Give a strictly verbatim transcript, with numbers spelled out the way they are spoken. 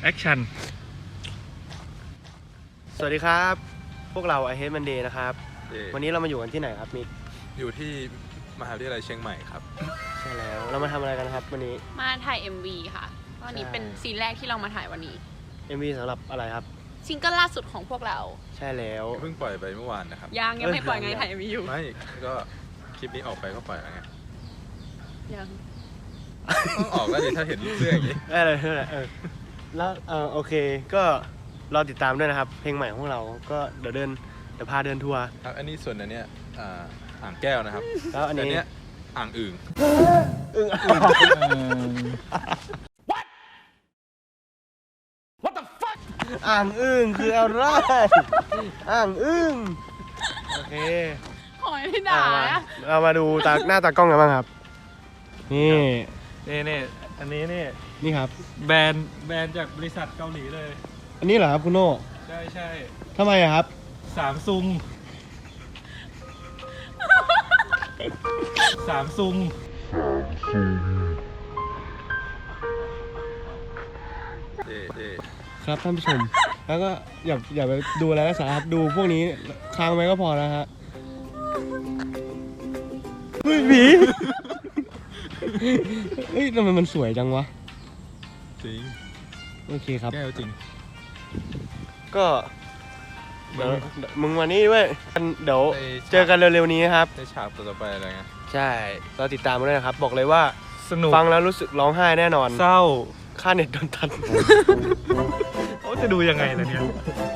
แอคชั่นสวัสดีครับพวกเรา I Hate Monday นะครับเอ่อวันนี้เรามาอยู่กันที่ไหนครับมิกอยู่ที่มหาวิทยาลัยเชียงใหม่ครับใช่แล้วเรามาทำอะไรกันครับวันนี้มาถ่าย เอ็ม วี ค่ะวันนี้ใช่เป็นซีนแรกที่เรามาถ่ายวันนี้เอ็ม วี สำหรับอะไรครับซิงเกิลล่าสุดของพวกเราใช่แล้วเพิ่งปล่อยไปเมื่อวานนะครับยังยังไม่ปล่อยไงเอ้ยถ่าย เอ็ม วี อยู่ไม่ก็คลิปนี้ออกไปก็ปล่อยแล้วไงยังต้องออกแล้วดิถ้าเห็นเสื้ออย่างนี้ได้เลยได้เลยเออแล้วเออโอเคก็รอติดตามด้วยนะครับ เพลงใหม่ของเราก็เดี๋ยวเดินเดี๋ยวพาเดินทัวร์ครับอันนี้ส่วนอันเนี้ยอ่าอ่างแก้วนะครับแล้วอันนี้เนี้ยอ่างอึ่งอึ้งอ่างอึ้งคืออะไรอ่างอึ้งโอเคหอยไม่ด่าเอามาอะเรามาดูตาหน้าตากล้องกันบ้างครับ นี่นี่นี่อันนี้นี่นี่ครับแบรนด์แบรนด์จากบริษัทเกาหลีเลยอันนี้เหรอครับคุณโน่ใช่ใช่ทำไมอะครับสามซุงสามซุงเอ่อเอ่อครับท่านผู้ชม แล้วก็อย่าอย่าไปดูอะไรนะสาครับดูพวกนี้ค้างไว้ก็พอแล้วฮะเฮ้ยหมีเฮ้ยทำไมมันสวยจังวะจริงโอเคครับแก้วจริงก็เดี๋ยวมึงมานี่ด้วยเดี๋ยวไปเจอกันเร็วๆนี้ครับได้ฉากต่อไปอะไรเงี้ยใช่เราติดตามมาด้วยนะครับ บอกเลยว่าสนุกฟังแล้วรู้สึกร้องไห้แน่นอนเศร้าค่าเน็ตโดนตัดเขาจะดูยังไงล่ะเนี่ย